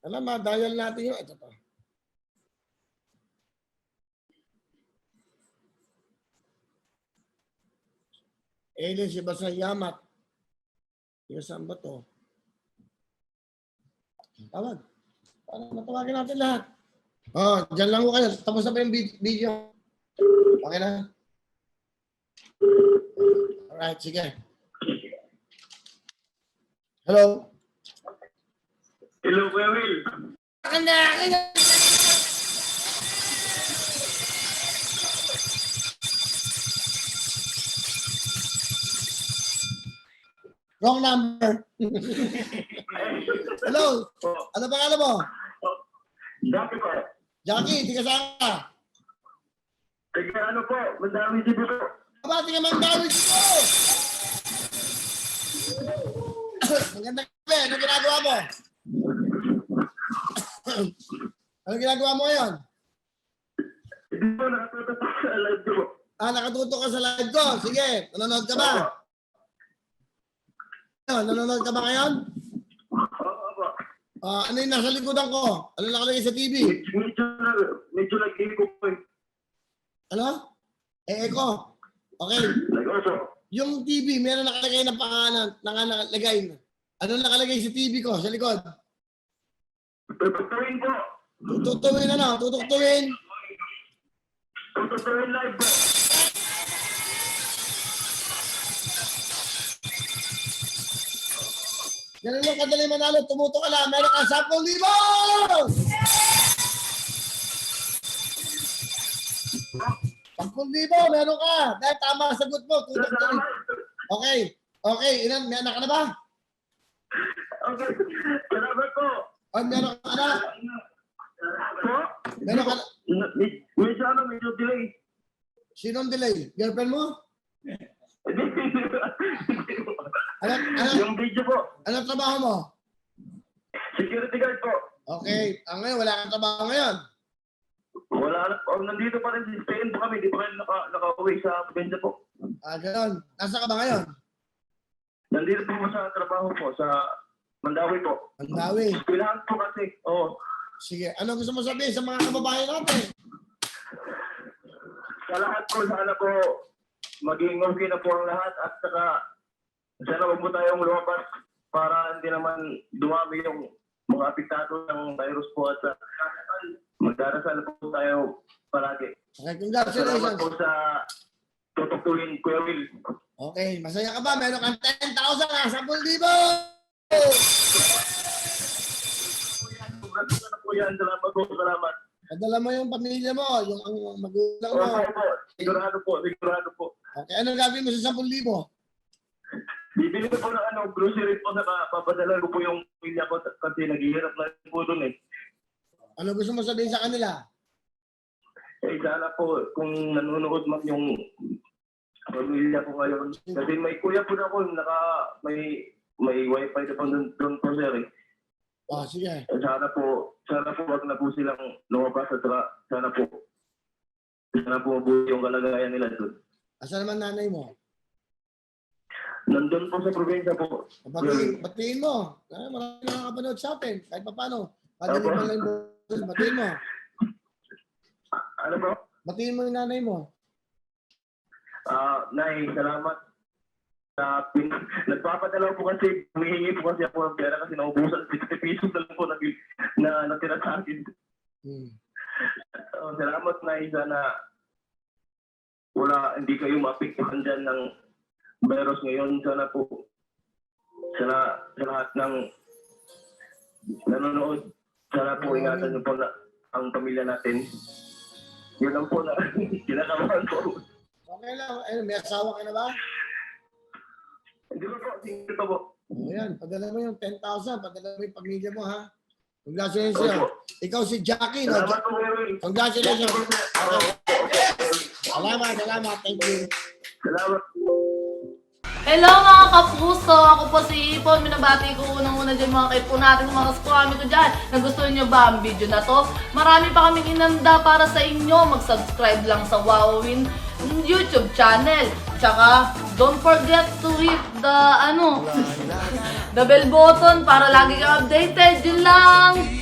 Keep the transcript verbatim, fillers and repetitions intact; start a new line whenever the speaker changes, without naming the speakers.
Alam, ma-dial natin yun. Ito pa. Alien si Basa Yamat. Yung saan ba to? Tawag. Para matawagin natin lahat. Oh, dyan lang ko kayo. Tapos na pa yung video. Okay na? Alright, sige. Hello?
Hello, Kuya Will.
Kanda! Kanda! Wrong number. Hello? Ano pangalan mo?
Jackie po.
Jackie, di ka saan ka?
Taga ano po, Mandami City po.
Aba, di ka mang dami dito! Magandang gabi. Anong ginagawa mo? Anong ginagawa mo ngayon?
Hindi po, nakatutok po sa live ko.
Ah, nakatuto ka sa live ko. Sige, nanonood ka ba? Ano, nanonood ka ba ngayon?
Oo, opo.
Ah, ano yung nasa likodan ko? Ano nakalagay sa T V?
Medyo, medyo nag-iiko po eh.
Ano? Eh, Eko. Okay.
Nag-oso.
Yung T V, meron nakalagay na pangalan, nakalagay. Ano nakalagay sa T V ko, sa likod?
Tututuin po.
Tututuin ano? Tututuin.
Tututuin live po.
Ganun lang kadali manalo. Tumuto ka lang. Meron ka ten libo! ten libo, meron ka. Dahil tama ang sagot mo. Tututuin. Okay. Okay. Ilan? May anak ka na ba?
Okay. Salamat po.
O, meron ka anak?
Po?
Meron ka na?
Med- Medyo ano, medyo delay.
Sinong delay? Girlfriend mo? Ano, ano,
Yung video po.
ano trabaho mo?
Security guard po.
Okay. Ah, ngayon, wala kang trabaho ngayon.
Wala na. Oh, nandito pa rin. Spain po kami. Di pa rin naka, naka-uwi sa probinsya po.
Ah, gano'n. Nasa ka ba ngayon?
Nandito po ako sa trabaho po. Sa Mandawi po.
Mandawi.
Kailangan po kasi. Oo.
Sige. Ano gusto mo sabihin sa mga kababayan natin?
Sa lahat po, sana po maging okay na po ang lahat. At saka, sana wag mo tayong lumabas para hindi naman dumami yung mga apektado ng virus po. At uh, magdarasal po tayo palagi.
Okay,
Salamat
congratulations.
po sa tutukuin, Kuya Will.
Okay, masaya ka ba? Meron kang ten thousand ah, ten libo!
Salamat na po yan. Salamat po. Salamat.
Padala mo yung pamilya mo, yung ang magulang mo.
Okay po. Sigurado po. Sigurado po.
Okay, ano gagawin mo sa ten libo?
Bibili ko po ng ano, grocery po, saka papadala ko po yung pamilya ko kasi naghihirap na po doon eh.
Ano gusto mo sabihin sa kanila?
Eh, sana po, kung nanonood man yung pamilya ko ngayon. Kasi may kuya po na ako, naka, may, may wifi na po doon, doon po sir eh.
Oh, sige.
Eh, Sana po, sana po wag na po silang lumabas at saka sana po, sana po mabuti yung kalagayan nila doon.
Asa naman nanay mo?
Nandun po sa probinsya po.
Batiin, batiin mo. Ah, marami nakakapanood sa atin. Kahit pa paano. Padaling mo lang yung batiin mo.
Ano po?
Batiin mo yung nanay mo.
Ah, Nay, salamat. Uh, nagpapadala po kasi, humihingi po kasi ako ng pera kasi naubusan sixty pesos na lang po na, na natira sa akin.
Hmm.
So, salamat na sana wala, hindi kayo maapektuhan dyan ng virus ngayon. Sana po, sana sa lahat ng nanonood, sana po ingatan niyo po na ang pamilya natin. Yun lang po na kinakabahan po.
Okay lang. Ayun, may asawa ka na ba?
Hindi ko po, hindi ko po.
Ayan, padala mo yung ten thousand. Padala mo yung pamilya mo, ha? Congratulations sa'yo. Ikaw si Jackie, no?
Salamat po, Will.
Congratulations. Okay. Salamat, salamat. Thank you.
Salamat.
Hello mga kapuso! Ako po si Ipon. Minabati ko unang-una dyan mga kaipo natin, mga kaskwami ko dyan. Nagustuhan nyo ba ang video na to? Marami pa kaming inanda para sa inyo. Mag-subscribe lang sa Wowin YouTube channel. Tsaka, don't forget to hit the, ano, the bell button para lagi kang updated. Yun lang!